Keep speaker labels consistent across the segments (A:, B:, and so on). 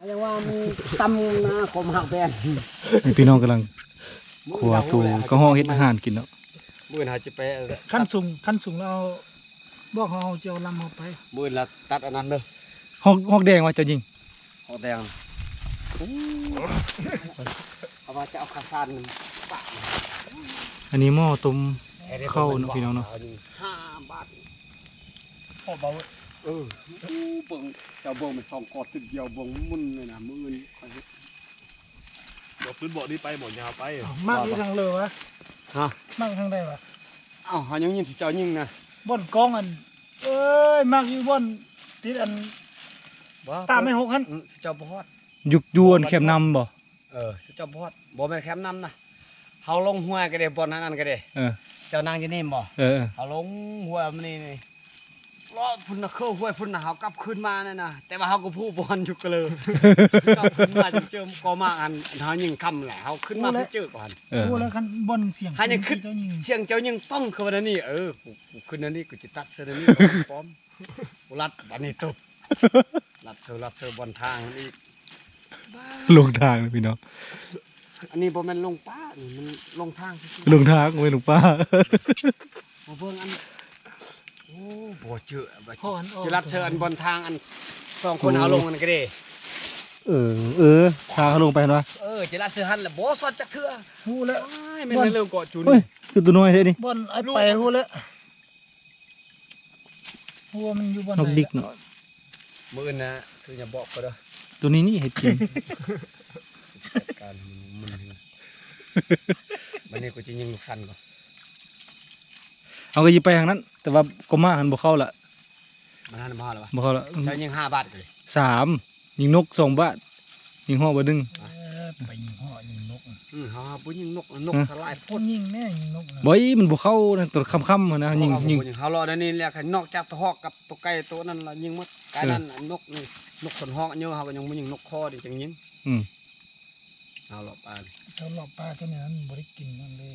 A: ยังว่ามันตำนะคมหักแบน
B: พี่น้องกำลังครัวตูก็ห้องเฮ็ดอาหารกินเนาะ
A: มื่นหาจะไป
C: ขั้นสูงแล้วบอกเขาจะเอาลำเขาไป
A: มื่นละตัดอันนั้นเลย
B: ห้องแดงว่าจะยิง
A: หอกแดงเอาว่าจะเอาข้าวสารปะ
B: อันนี้หม้อต้มข้าวเนาะพี่น้องเนาะ
A: 5 บาท
C: พอเบา
A: เบิ่งเจ้าเบิ่งมัน2 กอดติดเดียวเบิ่งมุนเลยนะมื้ออื่น
D: บอกพื้นบอกนี่ไปบอกยาวไป
C: มากที่ทางเลยวะ
A: ฮะ
C: มากทางใดวะ
A: เอ้าหายังยินสิเจ้ายิงนะ
C: บ่อนกองอันเอ้ยมากอยู่บ่อนติดอันตามไม่หกขั้น
A: สิเจ้าบ่ฮอด
B: ยุกยวนเข็มนำบ่
A: สิเจ้าบ่ฮอดบ่แม่นแคมป์นำนะเฮาลงห้วยก็ได้บ่อนนั้นก็ได้
B: เออ
A: เจ้านางอยู่นี่บ่
B: เออ
A: เฮาลงห้วยมันนี่รอพุ่นน่ะเข้าห้วยพุ่นน่ะเฮากลับคืนมานั่นน่ะแต่ว่าเฮาก็ผู้บ่อนอยู่ก็เลยกลับคืนมาจึงเจอก็มาอันเฮายิงค่ำแหละเฮาขึ้นมาเพิ่งเจอก่อน
B: เออ
C: พูดแล้วคันบ่อนเสียง
A: หายังขึ้น
C: เจ้ายิง
A: เสียงเจ้ายิงป้องเข้ามานี่กูขึ้นอันนี้กูจะตัดเสื้อนี้พร้อมกูรัดบัดนี้ตบรัดเธอบนทางนี่
B: ลงทางนะพี่น้อง
A: อันนี้บ่แม่นลงป้านี่มันลงทางซื่อ
B: ลงทางไว้ลงป้า
A: ๆบ่เบิ่งอันโอ้บ่เจอบ่
C: พ่ออันออก
A: จะรัดเธออันบนทางอัน2 คนเอาลงกันก็ได้
B: เออทางเขาลงไปเห็นปะ
A: จะรัดเสื้อหันแล้วบ่สอดจักเทื่อ
C: พูดแล้ว
A: อ้ายแม่นเรื่องเกาะจุน
B: เฮ้ยคือตัวน้อยเท่นี่
C: บ่อนไอ้ไปพูดแล้วพูดว่ามันอยู่บ่อน
B: นก
C: ไหน
B: ดิกเนาะ
A: มื้ออื่นนะซื้ออย่าบอกก็เด้อ
B: ตัวนี้นี่เห็ดกิน
A: จัดการมันมันนี่กูจะยิงลูกสันก่อน
B: เอาก็ยิงไปทางนั้น แต่ว่าก็มาหันบ่เข้าละ
A: มันหันมาแล้ววะ
B: บ่เข้าละ
A: เจ้ายิง5 บาทเลย
B: 3ยิงนก2 บาทยิงห่อบ่ดึง
C: ไปยิงห่อยิงนก
A: ฮะปุ้ยยิงนกสลาย
C: พ่นยิงแน่ยิงนกนะ
B: บ่อยมันบ่เข้านะตัวค่ำๆนะยิง
A: เฮารอได้นี่แหละคันนอกจากตัวฮอกกับตัวไก่ตัวนั้นละยิงหมดไก่นั้นนกนี่นกขนฮอกเยอะเฮาก็ยังบ่ยิงนกคอดิจังยิง
B: อืม
A: เอาหรอปลา
C: เจ้าหลอกปลาเจ้าเนี่ยนั้นบริกินมันเลย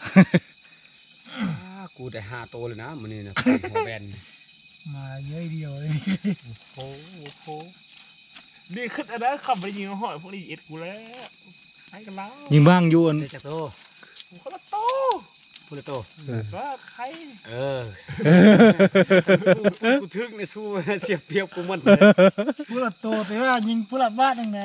A: กูได้5 ตัวเลยนะมื้อนี้นะหัวแบน
C: มาเยอะเดียวเลย
A: โอ้โห
D: นี่ขึ้นอันนั้นขับไปยิงหอยพวกนี้เอ็ดกูแล้วให้กันแล้ว
B: ยิงบ้างอยู่อัน
A: ได้จักโต
D: กูคนละโต
A: พูดเลยโต
D: ว่าใคร
A: กูทึกในสู้เสียเปรียบกูหมดเลย
C: ผู้ละโตแต่ว่ายิงผู้ละบ้านยังไง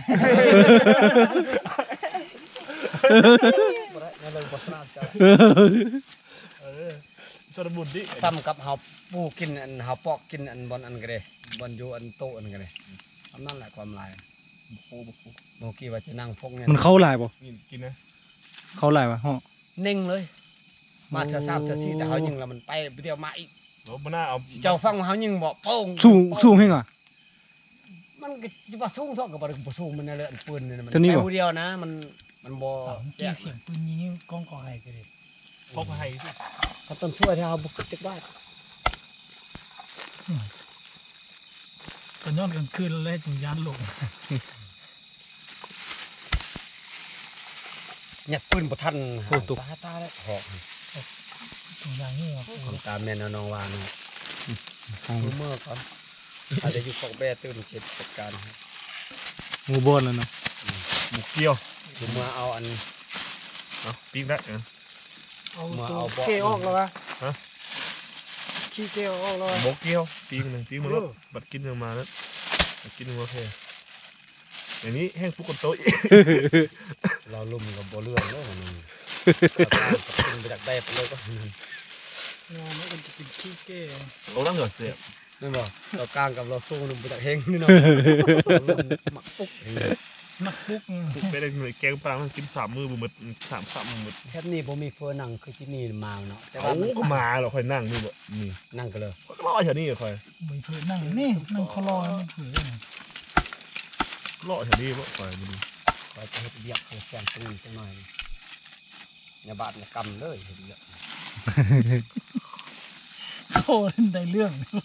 D: สระบุญดิ
A: ซ้ำกับเฮาปูกินอันเฮาปอกกินอันบอนอันก็ได้บอนอยู่อันโตอันก็ได้ทำนั่นแหละความลายโมกี้ว่าจะนั่งพกเนี่ย
B: มันเข้าหลายบ่
D: กินนะ
B: เข้าหลายวะห่อ
A: นิ่งเลยมาเธอ3เธอ4แต่เฮายิงแล้วมันไปเดียวมาอีก
D: โอ้มันน่าเอา
A: เจ้าฟังเฮายิงบ่โป้ง
B: สูงเฮงอ่ะ
A: มันก็สิว่าสูงเท่ากับบ่สูงมันนั่นแหละอันปืนนี่มัน
B: ตัวนี้
A: ไป
B: บ่
A: ผู้เดียวนะมันบ่
C: จี้เสียงปืนยิงกองกอไห้กันเลย
D: พกให้
A: เขาต้นช่วยที่เฮาบ่จักได้
C: ตอนย้อนกลางคืนเลยจึงยานหลง
A: ยัดปืนบ่ทันตาแล้วหอก
C: ตรงอย่างนี้ครับ
A: ของตาแม่นน้องว่านะดูเมื่อก่อนอาจจะอยู่ปอกแบ่ตื่นเช็ดจัดการครับ
B: งูบอนแล้วเนาะ
D: หมูเกี้ยว
A: ดูเมื่อเอาอัน
D: เอาปีกได้
C: เอา
A: มา
C: ตัว
A: เอาเบาะ
C: เกออกแล้ววะขี้เกออกแล้ววะ
D: หมูเกี้ยวปีกหนึ่งปีกมันแล้วบัดกินมาแล้วกินมาแค่อย่างนี้แห้งฟุกกันโต๊ะ
A: เราลุ่มกับบ่เรื่องแล้วมันกินไปจากได้ไปเลยก็
C: งานมันจะเป็นขี้เกอ
D: เราต้องเหงื่อเสียบ
A: ไม่บอกเรากลางกับเราสู้นุ่มไปจากเฮงนี่เนาะหมักปุ๊ก
C: นักปุ๊ก
D: ปุ๊บไปได้หน่วยแกงปลามันกิน3 มื้อหมด3 มื้อ
A: แค่นี้ผมมีเฟอร์นังคือที่นี่มาเนาะแต่
D: โอ้
A: ว่า
D: ก็มาเราค่อยนั่งนี่บ่นี่
A: นั่งกันเลย
D: ก็รอแถวนี้ค่อย
C: ไม่เผือนั่งนี่นั่งคอรอไม่เผือ
D: รอแถวนี้บ่ค่อยมาดู
A: คอยจะให้เรียกแซงตรงนี้จังหน่อยอย่าบาดอย่ากำเลยเรียก
C: โอ้ได้เรื่อง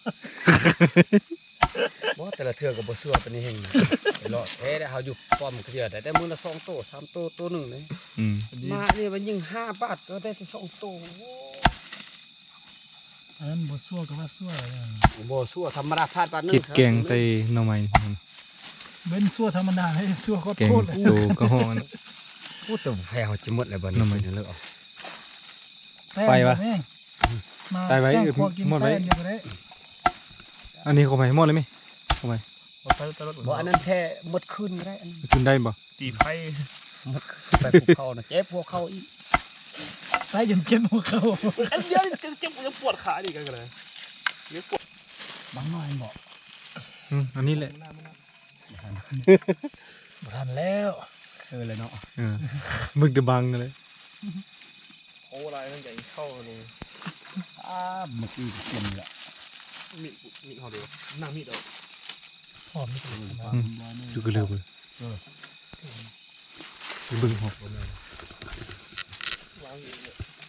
A: บ่แต่ละเทื่อก็บ่ซัวปานนี้เฮงไปรอแท้ได้เฮาอยู่ป้อมเคลียร์ได้แต่มื้อละ2 โต 3 โตตัวนึงเลย
B: อืม
A: มานี่มันยิง5 บาทก็ได้แต่2 โต
C: อันนั้นบ่ซัวกับว่าซัวเลย
A: บ่ซัวธรรมดาพลาดปานนึง
B: คิดแกงใส่หน่อไม้
C: เว้นซัวธรรมดาให้ซัวโคตร
B: แกง
C: โคตรเลย
B: ตูกระห้องนั่น
A: โอ้แต่แฟเขาจะหมดเลยบัดนี้
B: น้ำมัน
A: เลิกเอา
B: ไฟวะ
C: แม่งมา
B: ตายไว้
C: แกงครัวกิน
B: หมดไว้
C: แป้งเดียวก็ได้
B: อันนี้เข้าไปหมดเลยไหมเข้าไป
D: เอาไปตลอด
A: บ่อันนั้นแท้หมดคืนก็ได้อันนั้น
B: ขึ้นได้บ่
D: ตีไพ่
A: หมดคืนไปภูเขานะเจ็บพวกเขาอีก
C: ใส่จนเจ็บหัวเข่า
D: อันเดียวเจ็บยังปวดขาดิกันเลยยังปวด
A: บางน้อยบอก
B: อันนี้แหละ
C: บ่ทันแล้ว
A: เลยเนาะ
B: มึกจะบังเลย
D: โอ้ลายนั่นใหญ่เข้าเลย
A: เมื่อกี้เต็มเลย
D: มีเขาเดียวนั่งมีดเอา
C: พร้อมนี่ก็เลยนะ
B: ดูกันเร็วเลยดูบึ้งหอก
D: วางอยู่เนี่ย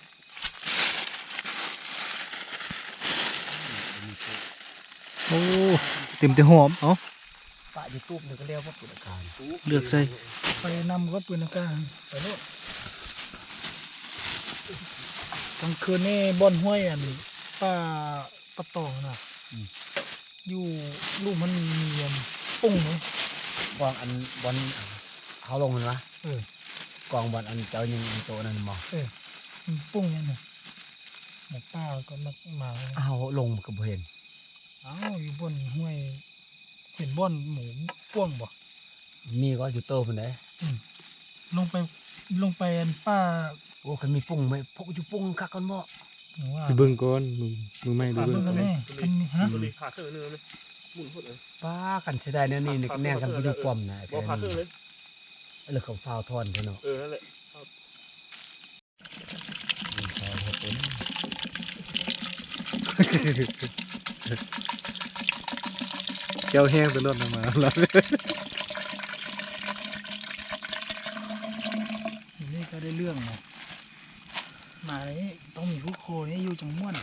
B: โอ้เต็มแต่หอมเอ้า
A: ปะอยู่ตู้นึงก็เรียกว่าปุถุการ
B: เลือกใส่
C: ไปนำก็ปืนอากาศไปโลดกลางคืนนี่บ่อนห้วยอันป้าปะตองน่ะอยู่ลูกมันมีอันปุ้งไหม
A: กองอันบอลเขาลงมันวะ
C: เออก
A: องบอลอันเจ้ายิงโตนั่นมอ
C: มันปุ้งเนี่ยน่ะหมอป้าก็มาเลย
A: เอาลงกับเห็น
C: อ้าวอยู่บนห้วยเห็นบ่อนหมูป้วงบ่
A: มีก็อยู่โตคนไหน
C: ลงไปอันป้า
A: โอ้คันมีปุ้งไหมพกอยู่ปุ้งคักกันบ่
C: หนูว่า
B: ดูเบิ้งก่อนมือไม่ดู
C: ป้า
B: เบิ้
C: เพิ่
B: ง
C: งกันแน่มันมีฮะ
D: ตัวนี้ขาดเครื่องนึงเลยหมุนหมดเลย
A: ป้ากันเสียดายแน่นี่แน่กันไปอยู่ความนะ
D: บอกขาดเครื่องเลย
A: เลือกของฟาวทอนเถอะเนาะ
D: นั่นแหละ
B: เจ้าแห้งตัวรถมาแล้ว
C: นี่ก็ได้เรื่องนะมาเลยต้องมีผู้โคนี่อยู่จังม่วน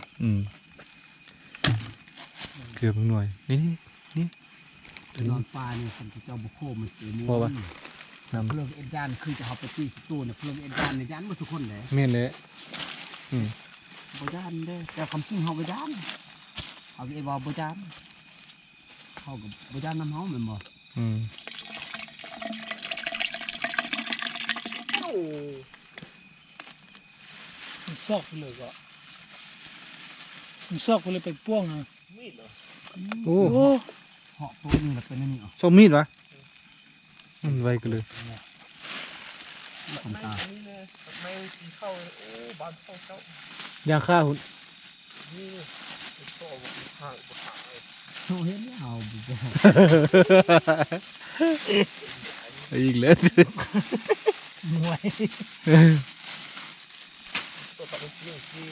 B: เกือบหน่วยนี่
A: นอนปลาเนี่ยคนที่เจ้าบุโคมันเสียมื
B: พอปะ น้
A: เรื่องเอ็ดยานคือจะเอาไปที่ตู้เนี่ยเรื่องเอ็ดยานเนี่ยยานหมดทุกคนเลย
B: ำเม่นเลย
A: บ่ยานเด้อแต่คำจริงเขาบ่ยานเขาเอ็ดว่าบ่ยานเขากับบ่ยานน้ำเฮาแม่นบ่
C: มันซอกไปเลยก็มันซอกไปเลยไปป้วงอ่ะ
D: มีดเหรอ
B: โอ้
C: โอ้
A: เหาะตัวนี้แหละเป็นอันนี้อ๋อ
B: ส้มมีดวะไวกันเลย
A: ผมตา
D: นี่เลยไม่ตีเข้าโอ้บานเข้าเจ้าย
B: างข้าหุ่น
D: นี่โซ่บกห่างบกห่างเลย
A: เขาเห็นแล้วเอาบ่บ่
B: อีกแล้ว
C: มวย
D: ตัวตัดเป็นเรื่องที่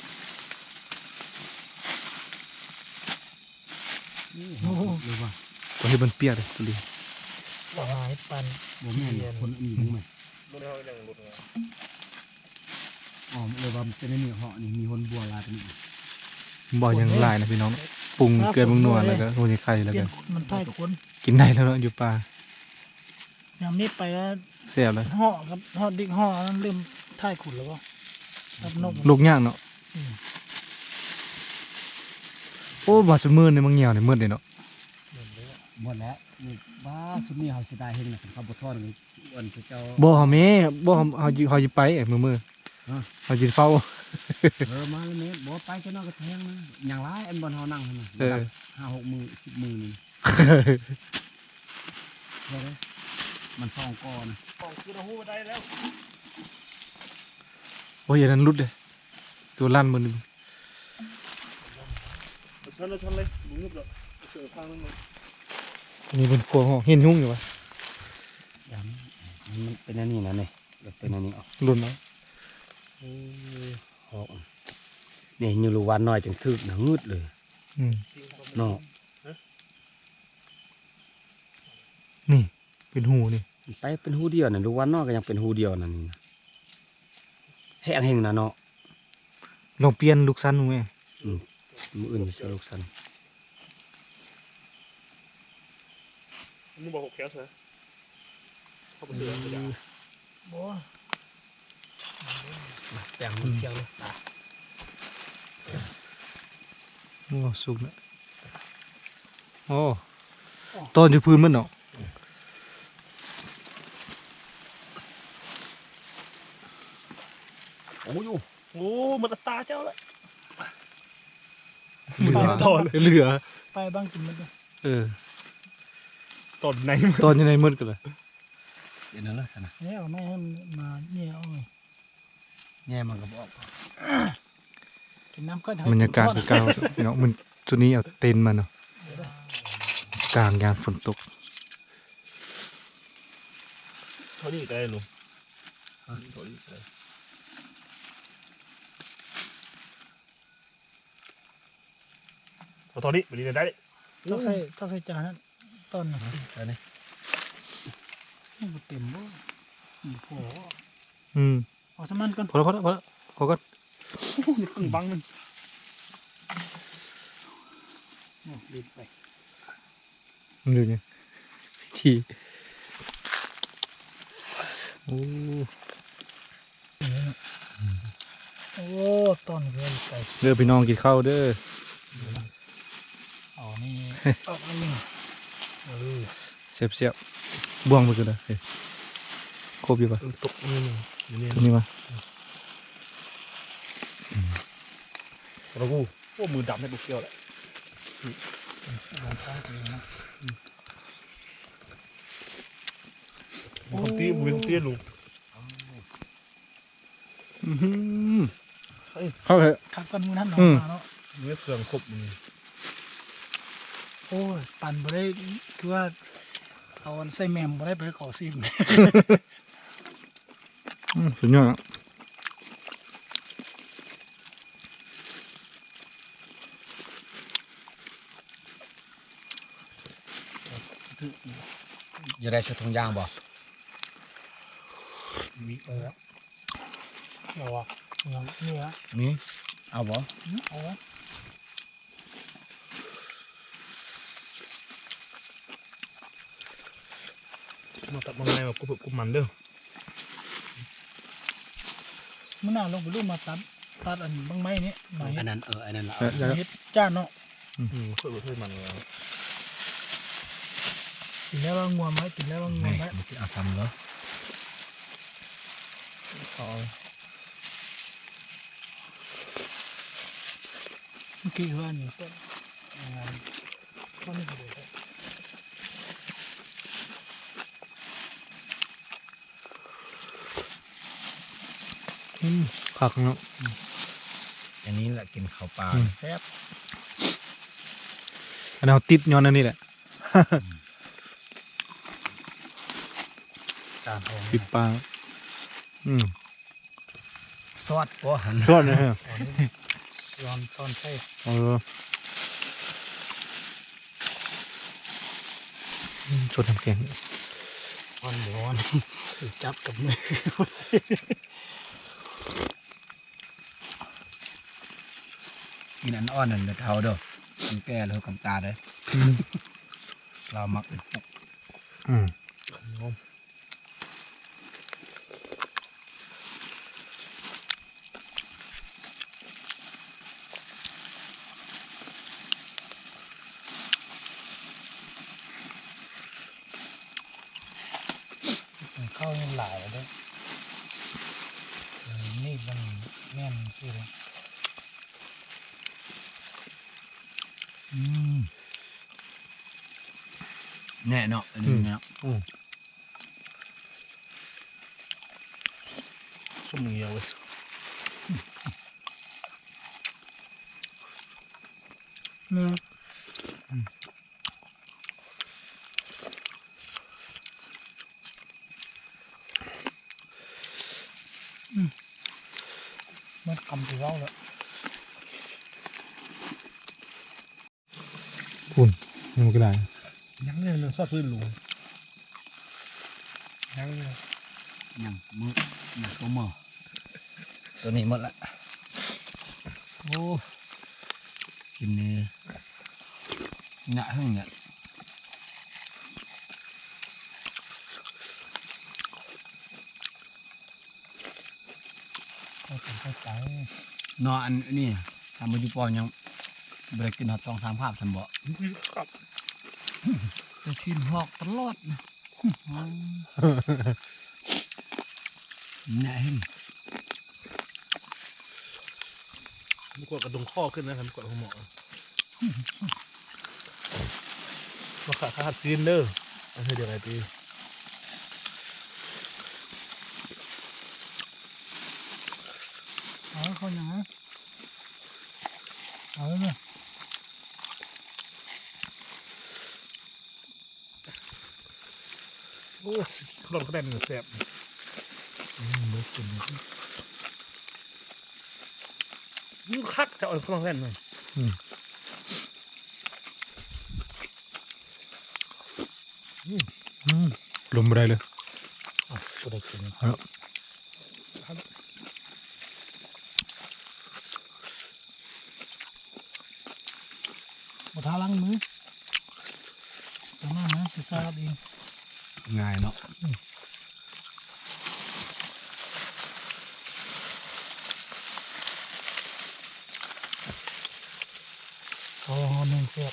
A: โอ้โหเลยว่า
B: ก็ให้มันเปียกเลยตัวนี้
C: ว่าหายปัน
A: บ่แม่นคนอื่นมั้งมั้ย
D: รถเขาอย่างรถเลย
A: อ๋อเลยว่ามันเป็นอันนี้เหาะนี่มีคนบัวลายเป็นนี่
B: บ่อยังหลายนะพี่น้องปรุงเกลือปรุงนัวแล้วก็โรยไข่แล้ว
C: เปลี่
B: ก็
C: ยนมันพ่ายคน
B: กินได้แล้วเนาะอยู่ป่าย
C: ามนี้ไปแล้ว
B: แซ่บเลย
C: ห่อครับห่อดิกห่อนั้นเริ่มท่ายขุดแล้วก็รับนก
B: ลูกย่างเนาะโอ้บ่สมือนี่มันเหี่ยวนี่มืดเลยเนาะ
A: หมดแล้วนี่บ้าสุดนี้เขาสิได้เห็นน่ะเขาบ่ทอดนี่อันที่เจ้า
B: บ่เฮาแม่บ่เฮาอยู่ไปมือเฮาสิเฝ้า
A: มาแล้วแม่บ่ไปจะนอนก็แทงนะอย่างไรอันบ่เฮานั่งหั่นน่ะ
B: เออ
A: 5-6 มื้อ10 มื้อนี่เด้อมัน2ก้อนนะ
D: ของคือเราหูได้แล้ว
B: โอ้ยอันนั้นรุดเลยตัวลั่นมือหนึง
D: ชั้นเลยมึงเงียบเลยเสือพังนั่นเลย
B: นี่บนครัวห้องเห็นยุ่งอยู่วะ
A: ยามมันเป็นอันนี้นะนี่เป็นอันนี้เอา
B: รุ่นเนาะ
A: ออกนี่อยู่ลูกวันน้อยจังทึกนะงึดเลย
B: อืม
A: เนาะ
B: นี่เป็นหูนี่
A: ไปเป็นหูเดียวน่ะลูกวันน้อยก็ยังเป็นหูเดียวนั่นนี่นะแห้งเฮงนะเนาะ
B: ลองเปลี่ยนลูกสั้นดูไหม
A: มื้ออื่นสิลูกสัน
D: มึงบอกหกแคสนะเข้าไปเสือตัวอย่าง
C: บ่
A: แป้งมันเคี่ยวเลย
B: โอ้สุกแล้วโอ้ต้นอยู่พื้นมันเนาะ
A: โอ้ย
D: โอ้มันตาเจ้าเลย
B: เหลือ
D: ตอน
B: เหลือ
C: ไปบ้างกินมันด้วย
D: ตอนไหน
B: ตอนยังไงมืดกันเลย
A: เดี๋ยวนั้นละสินะ
C: เนี่ยเอาไม่ให้มันมาเนี่ยเอาไง
A: แง่มันก็บอก
C: กินน้ำก็
B: บรรยากาศคือเก่าพี่น้องมันตัวนี้เอาเต็นท์มาเนาะกลางยามฝนตก
D: เท่านี้ได้ลุงเท่านี้ได้เท่านี้ไปดีได้
C: ต้องใส่จานนั้นต้นนะ
A: ใช่ไหม
C: มันเต็มบ่โอ้โห เอาสมันก่อน
B: พอแล้วพอก็
C: นี่ข้างบังมันรีบไป
B: ดูเนี่ยทีโอ้
C: โอ้ต้นเลยไป
B: เด้อพี่น้องกินข้าวเด้อ
C: อ๋อนี่เอาอันนี้
B: เสียบบ่วงไปกันเลยครบอยู่ปะ
D: ตกนี่นี่
B: ตัวนี้มา
D: เรากูโอ้มือดำให้บุกเกี่ยวแหละ
C: ลองข้างตัวนะ
D: มือตีมือตีลุง
B: เข้าเถอะ
C: ขับกันมือนั่นหนอมาเนาะ
D: มือเครื่องครบมือ
C: โอ้ยปั่นบ่ได้คือว่าเอาใส่แมมบ่ได้ไปขอซิม
B: สุดยอดอ่ะ
A: อย่าได้ชุดทงยางบ่
D: มี
C: เอาวะยังนี่ฮะ
A: มีเอาบ่
C: เอาวะ
D: มาตัดมาไงมากุบมันเด้อ
C: มื้อหน้าลงไปลูกมาตัดอันบางไม้นี่มา
A: อั
C: เฮ็
A: น
C: ด
A: นั้นอันนั้นละ
C: เฮ็ดจ้านเนาะ
D: เคยเคยมันแล้ว
C: กินแล้วว่างัวไหมกินแล้วว่างัว
A: แม่
C: ไหม
A: มันจะเอาซ้ำเหรอ
D: อ๋อ
C: เมื่อกี้เฮือนนี่ต้นต้นนี่เลย
B: ผักเนาะ
A: อันนี้แหละกินข้าวปลาแซ่บ
B: อันนั้นเอาติดย้อนอันนี้แหละ
A: ตามทอง
B: ติดปลา
A: ซอสก็หัน
B: ทอดนะฮะ
C: ซ้อนใช่
B: ชดน้ำแข็ง
C: ซ้อนร้อนถือจับกับมือ
A: กินอันอ่อนนั่นเดือดเทาเด้อมันแก่แล้วกำตาเด้อเรามักเป็นปุก
C: เข้ายังหลายเลยนี่มันแน่นสิเลย
A: แน่เนาะอันนี้เนาะ
D: ส้มเงี้ยวเลย
C: มันคำที่เราแล้ว
B: คุณมันก็ได้
D: ยังเนี่ยมันชอบพื้นลุงยัง
A: ยังมือยังตัวมือตัวนี้หมดละโอ้กินนี่หยะหึ่งเนี่ย
C: ก็เป็นไป
A: เนาะอันนี้ทำมาอยู่ปอยังบริกินหอด2-3 ภาพทำบ่
D: ครับ
A: จะชิมหอกตลอดนะแหน่หึ่ง
D: กดกระดุมข้อขึ้นนะครับกดหัวหมอมาขาดซีนเด้ออันนี้เดี๋ยวอะไรตี
C: เอาเขาอย่างนั้นเอาเลย
D: โอ้ขนมกระเด็นแสบเบิร์ดกินนี่คักจะเอาขนมกระเด็นหน่อย
B: ลมบ่ได้เลย
C: ก็ได้กิน
B: เอาละ
C: มาทาล้างมือตรงนั้นนะจะสะอาดเอง
A: ง่ายเนาะ
C: เอาหนึ่งเสียบ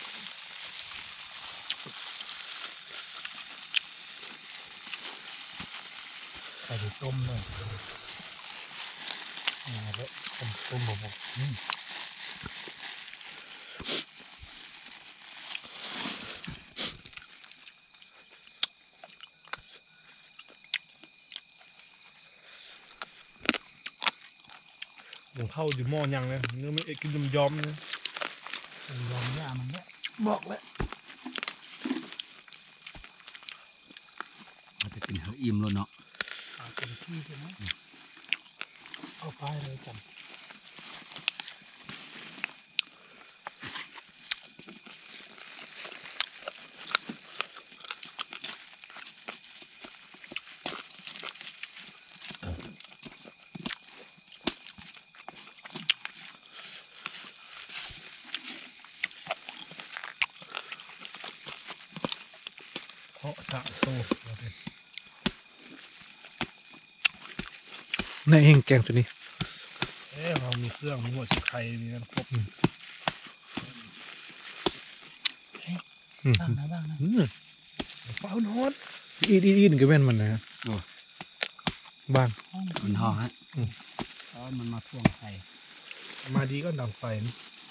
C: ใส่ไปต้มเลยแล้วต้มบก
D: ผมเข้าอยู่หม้อยังเลยเนื้อไม่กินยอมเลย
C: ยอมย่ามันเนี่ยบอกแล้ว
A: มันจะกินเฮอิ่มแล้วเนาะ
C: เอาเป็นที่ใช่ไหมเอาไปเลยจัน
D: เพาะสะโต
B: ในเองแกงตัวนี้
D: เรามีเครื่องมีหัวชิไข่มีกันครบ
C: บ้างนะบ้างนะ
D: เฝ้านอน
B: อีนก็แม่นมันนะบ้าง
A: มันห่อฮะมันมาท่วงไข่
D: มาดีก็ดังไฟนะ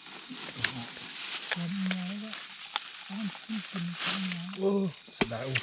C: คนน้อยแล้วต้องกินคนน้อย
D: โอ้เสียดายโอ้